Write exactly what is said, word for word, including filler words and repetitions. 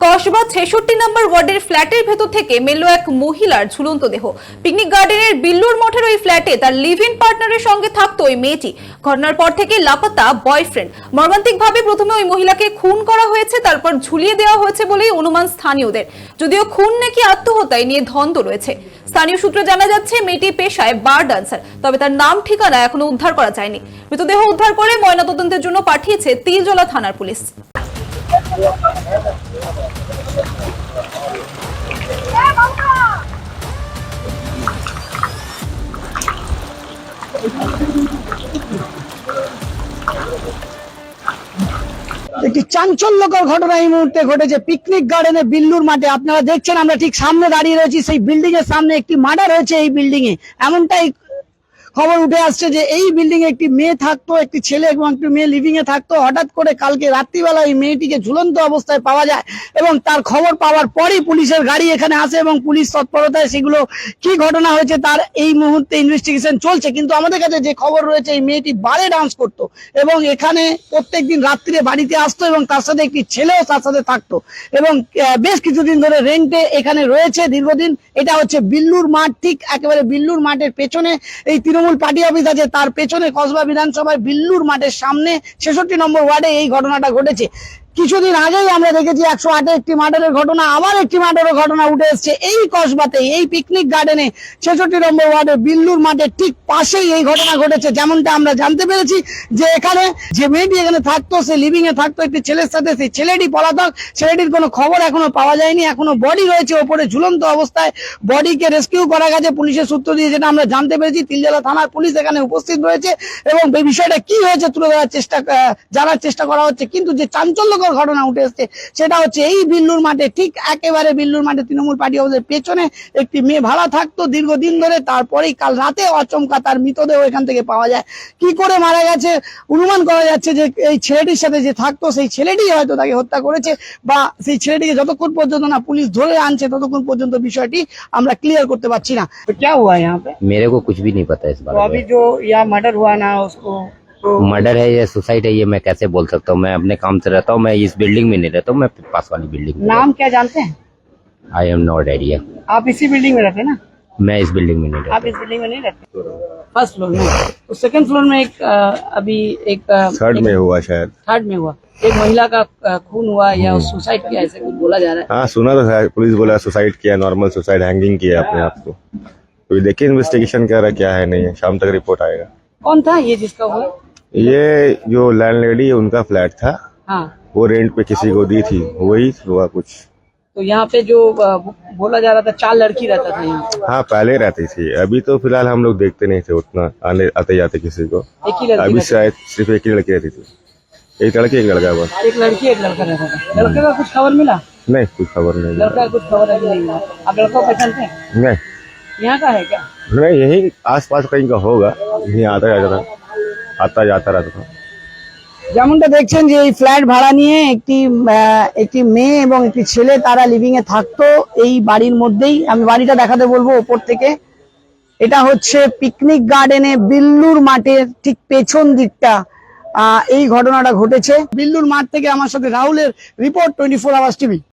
কসবা ছেষট্টি নম্বর ওয়ার্ডের ফ্ল্যাটের ভেতর থেকে মিলল এক মহিলার ঝুলন্ত দেহ। পিকনিক গার্ডেনের বিল্লুর মঠের ওই ফ্ল্যাটে তার লিভ ইন পার্টনারের সঙ্গে থাকতো ওই মেয়েটি। ঘটনার পর থেকে লাপাতা বয়ফ্রেন্ড। মর্মান্তিকভাবে প্রথমে ওই মহিলাকে খুন করা হয়েছে, তারপর ঝুলিয়ে দেওয়া হয়েছে বলেই অনুমান স্থানীয়দের। যদিও খুন নাকি আত্মহত্যায় নিয়ে ধন্দ রয়েছে। স্থানীয় সূত্রে জানা যাচ্ছে মেয়েটি পেশায় বার ডান্সার, তবে তার নাম ঠিকানা এখনো উদ্ধার করা যায়নি। মৃতদেহ উদ্ধার করে ময়নাতদন্তের জন্য পাঠিয়েছে তিলজলা থানার পুলিশ। একটি চাঞ্চল্যকর ঘটনা এই মুহূর্তে ঘটেছে পিকনিক গার্ডেনে বিল্লুর মাঠে। আপনারা দেখছেন আমরা ঠিক সামনে দাঁড়িয়ে রয়েছি, সেই বিল্ডিং এর সামনে একটি মার্ডার হয়েছে এই বিল্ডিং এ। এমনটাই খবর উঠে আসছে যে এই বিল্ডিং এ একটি মেয়ে থাকতো, একটি ছেলে এবং একটি মেয়ে লিভিং এ থাকতো। হঠাৎ করে কালকে রাত্রিবেলা এই মেয়েটিকে ঝুলন্ত অবস্থায় পাওয়া যায় এবং তার খবর পাওয়ার পরই পুলিশের গাড়ি এখানে আসে এবং পুলিশ তৎপরতায় সেগুলো কি ঘটনা হয়েছে তার এই মুহূর্তে ইনভেস্টিগেশন চলছে। কিন্তু আমাদের কাছে যে খবর রয়েছে এই মেয়েটি বারে ডান্স করতো এবং এখানে প্রত্যেকদিন রাত্রিরে বাড়িতে আসতো এবং তার সাথে একটি ছেলেও তার সাথে থাকতো এবং বেশ কিছুদিন ধরে রেন্টে এখানে রয়েছে দীর্ঘদিন। এটা হচ্ছে বিল্লুর মাঠ, ঠিক একেবারে বিল্লুর মাঠের পেছনে এই তৃণমূল পার্টি অফিস আছে, তার পেছনে কসবা বিধানসভায় বিল্লুর মাঠের সামনে ছেষট্টি নম্বর ওয়ার্ডে এই ঘটনাটা ঘটেছে। কিছুদিন আগেই আমরা দেখেছি একশো আটে একটি মার্ডারের ঘটনা, আবার একটি মার্ডারের ঘটনা উঠে এসছে এই কসবাতে, এই পিকনিক গার্ডেনে ছেষট্টি নম্বর ওয়ার্ডে বিল্লুর মাঠের ঠিক পাশেই এই ঘটনা ঘটেছে। যেমনটা আমরা জানতে পেরেছি যে এখানে যে মেয়েটি এখানে থাকতো, সে লিভিং এ থাকতো একটি ছেলের সাথে, সেই ছেলেটি পলাতক। ছেলেটির কোনো খবর এখনো পাওয়া যায়নি, এখনো বডি রয়েছে ওপরে ঝুলন্ত অবস্থায়। বডিকে রেস্কিউ করা গেছে পুলিশের সূত্র দিয়ে, যেটা আমরা জানতে পেরেছি। তিলজলা থানার পুলিশ এখানে উপস্থিত রয়েছে এবং এই বিষয়টা কি হয়েছে তুলে ধরার চেষ্টা জানার চেষ্টা করা হচ্ছে। কিন্তু যে চাঞ্চল্য ঘটনা উঠে এসছে সেটা হচ্ছে এই বিল্লুর মাঠে, ঠিক একেবারে বিল্লুর মাঠে তৃণমূল পার্টি অফিসের পেছনে একটি মেয়ে ভাড়া থাকতো দীর্ঘদিন ধরে। তারপরেই কাল রাতে আচমকা তার মৃতদেহ এখান থেকে পাওয়া যায়। কি করে মারা গেছে অনুমান করা যাচ্ছে যে এই ছেলেটির সাথে যে থাকতো সেই ছেলেটি হয়তো তাকে হত্যা করেছে, বা সেই ছেলেটিকে যতক্ষণ পর্যন্ত না পুলিশ ধরে আনছে ততক্ষণ পর্যন্ত বিষয়টি আমরা ক্লিয়ার করতে পারছি না। তো क्या हुआ यहाँ पे? मेरे को कुछ भी नहीं पता इस बारे में। अभी जो यहाँ मर्डर हुआ ना उसको मर्डर है या सुसाइड है ये मैं कैसे बोल सकता हूँ। मैं अपने काम से रहता हूँ, मैं इस बिल्डिंग में नहीं रहता हूँ, मैं पास वाली बिल्डिंग में। नाम क्या जानते हैं? I am not idea. आप इसी बिल्डिंग में रहते हैं ना? मैं इस बिल्डिंग में नहीं रहता। आप इस बिल्डिंग में नहीं रहते? फर्स्ट फ्लोर में। तो सेकंड फ्लोर में एक अ, अभी एक थर्ड में हुआ शायद। थर्ड में हुआ एक महिला का अ, खून हुआ या सुसाइड किया ऐसे कुछ बोला जा रहा है। हाँ सुना तो था, पुलिस बोला सुसाइड किया, नॉर्मल सुसाइड, हैंगिंग किया अपने आप को। तो देखिए इन्वेस्टिगेशन कर रहा क्या है नहीं है, शाम तक रिपोर्ट आएगा। कौन था ये जिसका हुआ? ये जो लैंडलेडी है उनका फ्लैट था, हाँ। वो रेंट पे किसी को दी थी, वही हुआ कुछ। तो यहाँ पे जो अ, बोला जा रहा था चार लड़की रहता था यहाँ पे। हाँ पहले रहती थी, अभी तो फिलहाल हम लोग देखते नहीं थे उतना आने आते जाते किसी को। एक ही लड़की अभी रहती शायद सिर्फ एक ही लड़की रहती थी, एक लड़की एक लड़का बस। थी। एक लड़की एक लड़का रहता था। लड़के का कुछ खबर मिला? नहीं कुछ खबर नहीं। लड़का का कुछ खबर अभी नहीं मिला। आप लड़का को पहचानते हैं? नहीं यहाँ का है क्या? नहीं यही आस पास कहीं का होगा, यही आता जाता था, आता जाता रहता था। যেমনটা দেখছেন যে এই ফ্ল্যাট ভাড়া নিয়ে একটি একটি মেয়ে এবং একটি ছেলে তারা লিভিং এ থাকতো এই বাড়ির মধ্যেই। আমি বাড়িটা দেখাতে বলবো ওপর থেকে। এটা হচ্ছে পিকনিক গার্ডেনে বিল্লুর মাঠের ঠিক পেছন দিকটা আহ এই ঘটনাটা ঘটেছে। বিল্লুর মাঠ থেকে আমার সাথে রাহুলের report, twenty four hours TV.